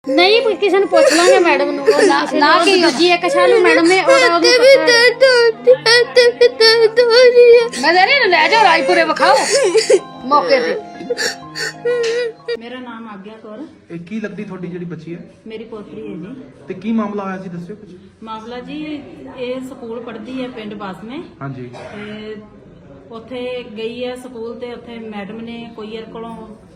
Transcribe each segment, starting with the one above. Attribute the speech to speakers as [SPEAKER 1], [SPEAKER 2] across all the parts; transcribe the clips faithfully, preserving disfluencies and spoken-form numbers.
[SPEAKER 1] नहीं किसी ने पूछ लांगे मैडम नु ना ना कि जी एक शालू मैडम ने और मैं दे रही ले जाओ रायपुरे बखाओ मौके ते।
[SPEAKER 2] मेरा नाम आज्ञा कौर
[SPEAKER 3] ਇਹ ਕੀ ਲੱਗਦੀ ਤੁਹਾਡੀ ਜਿਹੜੀ ਬੱਚੀ ਹੈ
[SPEAKER 2] मेरी पोतरी है जी।
[SPEAKER 3] ਤੇ ਕੀ ਮਾਮਲਾ ਹੋਇਆ ਸੀ ਦੱਸਿਓ ਕੁਝ।
[SPEAKER 2] ਮਾਮਲਾ ਜੀ ਇਹ ਸਕੂਲ ਪੜ੍ਹਦੀ ਹੈ ਪਿੰਡ ਬਾਸਮੇ
[SPEAKER 3] ਹਾਂਜੀ
[SPEAKER 2] ਤੇ ਉੱਥੇ ਗਈ ਹੈ ਸਕੂਲ ਤੇ ਉੱਥੇ ਮੈਡਮ ਨੇ ਕੋਈ ਇਹਦੇ ਕੋਲੋਂ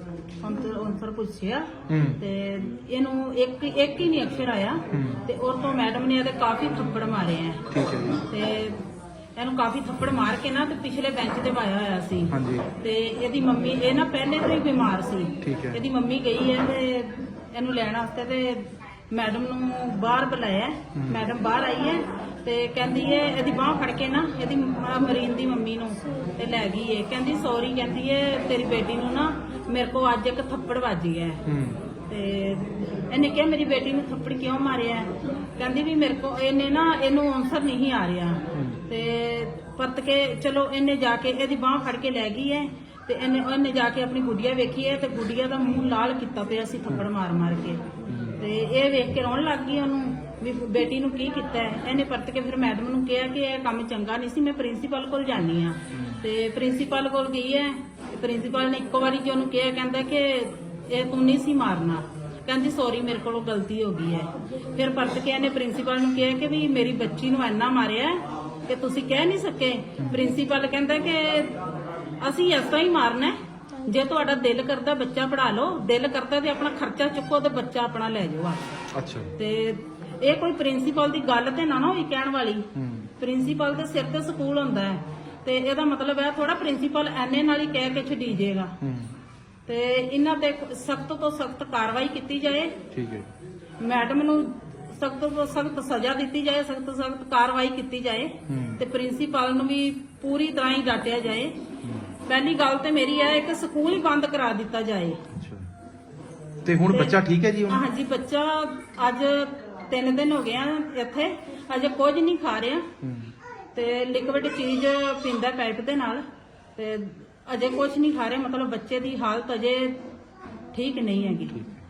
[SPEAKER 2] ਆਨਸਰ ਪੁੱਛਿਆ
[SPEAKER 3] ਹੂੰ
[SPEAKER 2] ਤੇ ਇਹਨੂੰ ਇੱਕ ਇੱਕ ਹੀ ਨਹੀਂ ਅਕਸ਼ਰ ਆਇਆ ਤੇ ਉਹ ਤੋਂ ਮੈਡਮ ਨੇ ਇਹਦੇ ਕਾਫੀ ਥੱਪੜ ਮਾਰੇ ਆ
[SPEAKER 3] ਠੀਕ ਹੈ ਜੀ
[SPEAKER 2] ਤੇ ਇਹਨੂੰ ਕਾਫੀ ਥੱਪੜ ਮਾਰ ਕੇ ਨਾ ਤੇ ਪਿਛਲੇ ਬੈਂਚ ਤੇ ਪਾਇਆ ਹੋਇਆ ਸੀ
[SPEAKER 3] ਹਾਂਜੀ
[SPEAKER 2] ਤੇ ਇਹਦੀ ਮੰਮੀ ਇਹ ਨਾ ਪਹਿਲੇ ਤੋਂ ਹੀ ਬਿਮਾਰ ਸੀ।
[SPEAKER 3] ਠੀਕ ਹੈ
[SPEAKER 2] ਇਹਦੀ ਮੰਮੀ ਗਈ ਹੈ ਤੇ ਇਹਨੂੰ ਲੈਣ ਵਾਸਤੇ ਤੇ ਮੈਡਮ ਨੂੰ ਬਾਹਰ ਬੁਲਾਇਆ। ਮੈਡਮ ਬਾਹਰ ਆਈ ਹੈ ਤੇ ਕਹਿੰਦੀ ਹੈ ਇਹਦੀ ਬਾਹ ਫੜ ਕੇ ਨਾ ਇਹਦੀ ਮ- ਮਰੀਨ ਦੀ ਮੰਮੀ ਨੂੰ ਤੇ ਲੈ ਗਈ ਹੈ। ਕਹਿੰਦੀ ਸੌਰੀ ਕਹਿੰਦੀ ਹੈ ਤੇਰੀ ਬੇਟੀ ਨੂੰ ਨਾ ਮੇਰੇ ਕੋ ਅੱਜ ਇੱਕ ਥੱਪੜ ਵੱਜ ਗਿਆ ਹੈ।
[SPEAKER 3] ਹੂੰ
[SPEAKER 2] ਤੇ ਇਹਨੇ ਕਿਹਾ ਮੇਰੀ ਬੇਟੀ ਨੂੰ ਥੱਪੜ ਕਿਉਂ ਮਾਰਿਆ? ਕਹਿੰਦੀ ਵੀ ਮੇਰੇ ਕੋ ਇਹਨੇ ਨਾ ਇਹਨੂੰ ਆਨਸਰ ਨਹੀਂ ਆ ਰਿਹਾ ਤੇ ਪਰਤ ਕੇ ਚਲੋ ਇਹਨੇ ਜਾ ਕੇ ਇਹਦੀ ਬਾਹ ਫੜ ਕੇ ਲੈ ਗਈ ਹੈ ਤੇ ਇਹਨੇ ਉਹਨੇ ਜਾ ਕੇ ਆਪਣੀ ਗੁੱਡੀਆ ਵੇਖੀ ਹੈ ਤੇ ਗੁੱਡੀਆ ਦਾ ਮੂੰਹ ਲਾਲ ਕੀਤਾ ਪਿਆ ਸੀ ਥੱਪੜ ਮਾਰ ਮਾਰ ਕੇ ਤੇ ਇਹ ਵੇਖ ਕੇ ਰੋਣ ਲੱਗ ਗਈ ਉਹਨੂੰ ਵੀ ਬੇਟੀ ਨੂੰ ਕੀ ਕੀਤਾ ਹੈ। ਇਹਨੇ ਪਰਤ ਕੇ ਫਿਰ ਮੈਡਮ ਨੂੰ ਕਿਹਾ ਕਿ ਇਹ ਕੰਮ ਚੰਗਾ ਨਹੀਂ ਸੀ ਮੈਂ ਪ੍ਰਿੰਸੀਪਲ ਕੋਲ ਜਾਣੀ ਆ ਤੇ ਪ੍ਰਿੰਸੀਪਲ ਕੋਲ ਗਈ ਹੈ। ਪ੍ਰਿੰਸੀਪਲ ਨੇ ਇੱਕੋ ਵਾਰੀ ਜੀ ਉਹਨੂੰ ਕਿਹਾ ਕਹਿੰਦਾ ਕਿ ਇਹ ਤੂੰ ਨਹੀਂ ਸੀ ਮਾਰਨਾ। ਕਹਿੰਦੀ ਸੌਰੀ ਮੇਰੇ ਕੋਲੋਂ ਗਲਤੀ ਹੋ ਗਈ ਹੈ। ਫਿਰ ਪਰਤ ਕੇ ਇਹਨੇ ਪ੍ਰਿੰਸੀਪਲ ਨੂੰ ਕਿਹਾ ਕਿ ਵੀ ਮੇਰੀ ਬੱਚੀ ਨੂੰ ਇੰਨਾ ਮਾਰਿਆ ਕਿ ਤੁਸੀਂ ਕਹਿ ਨਹੀਂ ਸਕੇ। ਪ੍ਰਿੰਸੀਪਲ ਕਹਿੰਦਾ ਕਿ ਅਸੀਂ ਇਸ ਤਰ੍ਹਾਂ ਹੀ ਮਾਰਨਾ ਹੈ। ਜੇ ਤੁਹਾਡਾ ਦਿਲ ਕਰਦਾ ਬੱਚਾ ਪੜਾ ਲਓ, ਦਿਲ ਕਰਦਾ ਤੇ ਆਪਣਾ ਖਰਚਾ ਚੁੱਕੋ ਤੇ ਬੱਚਾ ਆਪਣਾ ਲੈ ਜਾਓ।
[SPEAKER 3] ਅੱਛਾ
[SPEAKER 2] ਤੇ ਇਹ ਕੋਈ ਪ੍ਰਿੰਸੀਪਲ ਦੀ ਗੱਲ ਤੇ ਨਾ ਨਾ ਹੋਈ ਕਹਿਣ ਵਾਲੀ।
[SPEAKER 3] ਹੂੰ
[SPEAKER 2] ਪ੍ਰਿੰਸੀਪਲ ਦੇ ਸਿਰ ਤੇ ਸਕੂਲ ਹੁੰਦਾ ਹੈ ਤੇ ਇਹਦਾ ਮਤਲਬ ਹੈ ਥੋੜਾ ਪ੍ਰਿੰਸੀਪਲ ਐਨੇ ਨਾਲ ਹੀ ਕਹਿ ਕੇ ਛੱਡੀ ਜਾਏਗਾ
[SPEAKER 3] ਹੂੰ
[SPEAKER 2] ਤੇ ਇਹਨਾਂ ਤੇ ਸਖਤ ਤੋਂ ਸਖਤ ਕਾਰਵਾਈ ਕੀਤੀ ਜਾਏ।
[SPEAKER 3] ਠੀਕ ਹੈ
[SPEAKER 2] ਮੈਡਮ ਨੂੰ ਸਖਤ ਤੋਂ ਸਖਤ ਸਜ਼ਾ ਦਿੱਤੀ ਜਾਏ, ਸਖਤ ਤੋਂ ਸਖਤ ਕਾਰਵਾਈ ਕੀਤੀ ਜਾਏ
[SPEAKER 3] ਹੂੰ
[SPEAKER 2] ਤੇ ਪ੍ਰਿੰਸੀਪਲ ਨੂੰ ਵੀ ਪੂਰੀ ਤਰ੍ਹਾਂ ਹੀ ਡਾਂਟਿਆ ਜਾਏ। ਪਹਿਲੀ ਗੱਲ ਤੇ ਮੇਰੀ ਹੈ ਕਿ ਸਕੂਲ ਹੀ ਬੰਦ ਕਰਾ ਦਿੱਤਾ ਜਾਏ।
[SPEAKER 3] ਅੱਛਾ ਤੇ ਹੁਣ ਬੱਚਾ ਠੀਕ ਹੈ ਜੀ ਹੁਣ
[SPEAKER 2] ਹਾਂਜੀ ਬੱਚਾ ਅੱਜ ਤਿੰਨ ਦਿਨ ਹੋ ਗਏ ਆ ਇੱਥੇ, ਅਜੇ ਕੁਝ ਨਹੀਂ ਖਾ ਰਿਹਾ
[SPEAKER 3] ਹੂੰ
[SPEAKER 2] ਤੇ ਲਿਕਵਿਡ ਚੀਜ਼ ਪੀਂਦਾ ਪਾਈਪ ਦੇ ਨਾਲ ਤੇ ਅਜੇ ਕੁਝ ਨਹੀਂ ਖਾ ਰਿਹਾ। ਮਤਲਬ ਬੱਚੇ ਦੀ ਹਾਲਤ ਅਜੇ ਠੀਕ ਨਹੀਂ ਹੈਗੀ।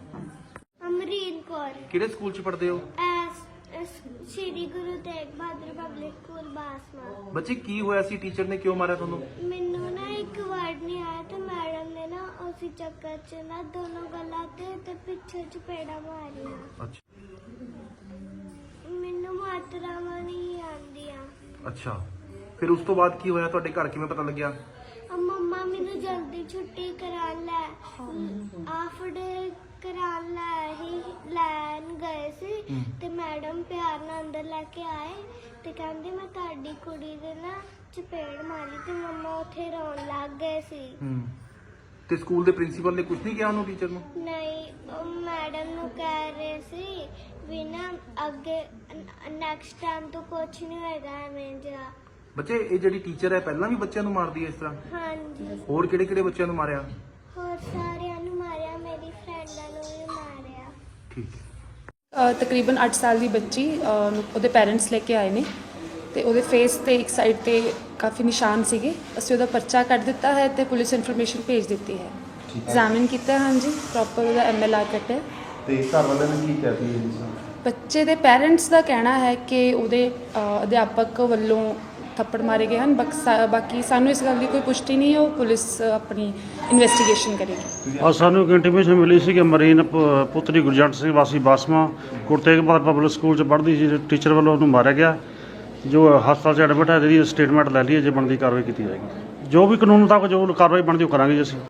[SPEAKER 4] ਅਮਰੀਨ ਕੌਰ
[SPEAKER 3] ਕਿਹੜੇ ਸਕੂਲ ਚ ਪੜ੍ਹਦੇ ਹੋ?
[SPEAKER 4] S S Shri Guru Tegh Bahadur public school Basma.
[SPEAKER 3] ਬੱਚੇ ਕੀ ਹੋਇਆ ਸੀ? ਟੀਚਰ ਨੇ ਕਿਉਂ ਮਾਰਿਆ ਤੁਹਾਨੂੰ?
[SPEAKER 4] ਮੈਨੂੰ ਨਾ ਇੱਕ ਵਰਡ ਨਹੀਂ ਆਇਆ ਤੇ ਮੈਡਮ ਨੇ ਨਾ ਉਸੇ ਚੱਕਰ 'ਚ ਨਾ ਦੋਨੋਂ ਗੱਲਾਂ ਤੇ ਤੇ ਪਿੱਛੇ ਚਪੇੜਾ ਮਾਰੀਆਂ।
[SPEAKER 3] ਅੱਛਾ
[SPEAKER 4] ਮੈਨੂੰ ਮਾਤਰਾਵਾਂ ਨਹੀਂ ਆਉਂਦੀਆਂ।
[SPEAKER 3] ਅੱਛਾ ਫਿਰ ਉਸ ਤੋਂ ਬਾਅਦ ਕੀ ਹੋਇਆ? ਤੁਹਾਡੇ ਘਰ ਕਿਵੇਂ ਪਤਾ ਲੱਗਿਆ?
[SPEAKER 4] ਆ ਮੰਮਾ ਮੈਨੂੰ ਜਲਦੀ ਛੁੱਟੀ ਕਰਾ ਲੈ ਆਫ ਡੇ ਕਰਾ ਲੈ ਹੀ ਲੈਣ ਗਏ ਸੀ ਤੇ ਮੈਡਮ ਪਿਆਰ ਨਾਲ ਅੰਦਰ ਲੈ ਕੇ ਆਏ ਤੇ ਕਹਿੰਦੇ ਮੈਂ ਤੁਹਾਡੀ ਕੁੜੀ ਦੇ ਨਾ ਚਪੇੜ ਮਾਰੀ ਤੇ ਮੰਮਾ ਉੱਥੇ ਰੋਣ ਲੱਗ ਗਏ ਸੀ।
[SPEAKER 3] ਹੂੰ ਤੇ ਸਕੂਲ ਦੇ ਪ੍ਰਿੰਸੀਪਲ ਨੇ ਕੁਝ ਨਹੀਂ ਕਿਹਾ ਉਹਨੂੰ, ਟੀਚਰ ਨੂੰ?
[SPEAKER 4] ਨਹੀਂ ਉਹ ਮੈਡਮ ਨੂੰ ਕਹਿ ਰਹੇ ਸੀ ਵੀ ਨਾ ਅੱਗੇ ਨੈਕਸਟ ਟਾਈਮ ਤੋਂ ਕੁਝ ਨਹੀਂ ਹੋਏਗਾ ਐਵੇਂ ਜਿਹਾ।
[SPEAKER 3] ਬੱਚੇ ਇਹ ਜਿਹੜੀ ਟੀਚਰ ਹੈ ਪਹਿਲਾਂ ਵੀ ਬੱਚਿਆਂ ਨੂੰ ਮਾਰਦੀ ਹੈ ਇਸ ਤਰ੍ਹਾਂ?
[SPEAKER 4] ਹਾਂਜੀ
[SPEAKER 3] ਹੋਰ ਕਿਹੜੇ ਕਿਹੜੇ ਬੱਚਿਆਂ ਨੂੰ ਮਾਰਿਆ?
[SPEAKER 4] ਹੋਰ ਸਾਰਿਆਂ ਨੂੰ ਮਾਰਿਆ, ਮੇਰੀ ਫਰੈਂਡਾਂ ਨੂੰ ਵੀ ਮਾਰਿਆ।
[SPEAKER 3] ਠੀਕ ਹੈ
[SPEAKER 5] ਅ, ਤਕਰੀਬਨ ਅੱਠ ਸਾਲ ਦੀ ਬੱਚੀ ਅ, ਉਹਦੇ ਪੈਰੈਂਟਸ ਲੈ ਕੇ ਆਏ ਨੇ ਤੇ ਉਹਦੇ ਫੇਸ ਤੇ ਇੱਕ ਸਾਈਡ ਤੇ ਕਾਫੀ ਨਿਸ਼ਾਨ ਸੀਗੇ। ਅਸੀਂ ਉਹਦਾ ਪਰਚਾ ਕੱਢ ਦਿੱਤਾ ਹੈ ਤੇ ਪੁਲਿਸ ਇਨਫੋਰਮੇਸ਼ਨ ਭੇਜ ਦਿੱਤੀ ਹੈ। ਐਗਜ਼ਾਮਿਨ ਕੀਤਾ ਹੈ, ਹਾਂਜੀ ਪ੍ਰੋਪਰ ਉਹਦਾ ਐਮ ਐਲ ਆਰ ਕੱਟਿਆ।
[SPEAKER 6] ਤੇ ਘਰ ਵਾਲਿਆਂ ਨੇ ਕੀ ਕਹਿ ਦਿੱਤੀ ਜੀ?
[SPEAKER 5] ਬੱਚੇ ਦੇ ਪੈਰੈਂਟਸ ਦਾ ਕਹਿਣਾ ਹੈ ਕਿ ਉਹਦੇ ਅ, ਅਧਿਆਪਕ ਵੱਲੋਂ ਥੱਪੜ ਮਾਰੇ ਗਏ ਹਨ। ਬਕਸਾ- ਬਾਕੀ ਸਾਨੂੰ ਇਸ ਗੱਲ ਦੀ ਕੋਈ ਪੁਸ਼ਟੀ ਨਹੀਂ ਹੈ, ਉਹ ਪੁਲਿਸ ਆਪਣੀ ਇਨਵੈਸਟੀਗੇਸ਼ਨ ਕਰੇਗੀ।
[SPEAKER 7] ਔਰ ਸਾਨੂੰ ਇੱਕ ਇੰਟੀਮੇਸ਼ਨ ਮਿਲੀ ਸੀ ਕਿ ਮਰੀਨ ਪ- ਪੁੱਤਰੀ ਗੁਰਜੰਟ ਸਿੰਘ ਵਾਸੀ ਬਾਸਮਾ ਗੁਰੂ ਤੇਗ ਬਹਾਦਰ ਪਬਲਿਕ ਸਕੂਲ 'ਚ ਪੜ੍ਹਦੀ ਸੀ, ਟੀਚਰ ਵੱਲੋਂ ਉਹਨੂੰ ਮਾਰਿਆ ਗਿਆ। ਜੋ ਹਸਪਤਾਲ 'ਚ ਐਡਮਿਟ ਹੈ, ਇਹਦੀ ਸਟੇਟਮੈਂਟ ਲੈ ਲਈ ਹੈ, ਜੇ ਬਣਦੀ ਕਾਰਵਾਈ ਕੀਤੀ ਜਾਏਗੀ। ਜੋ ਵੀ ਕਾਨੂੰਨ ਮੁਤਾਬਕ ਜੋ ਕਾਰਵਾਈ ਬਣਦੀ ਉਹ ਕਰਾਂਗੇ ਜੀ ਅਸੀਂ।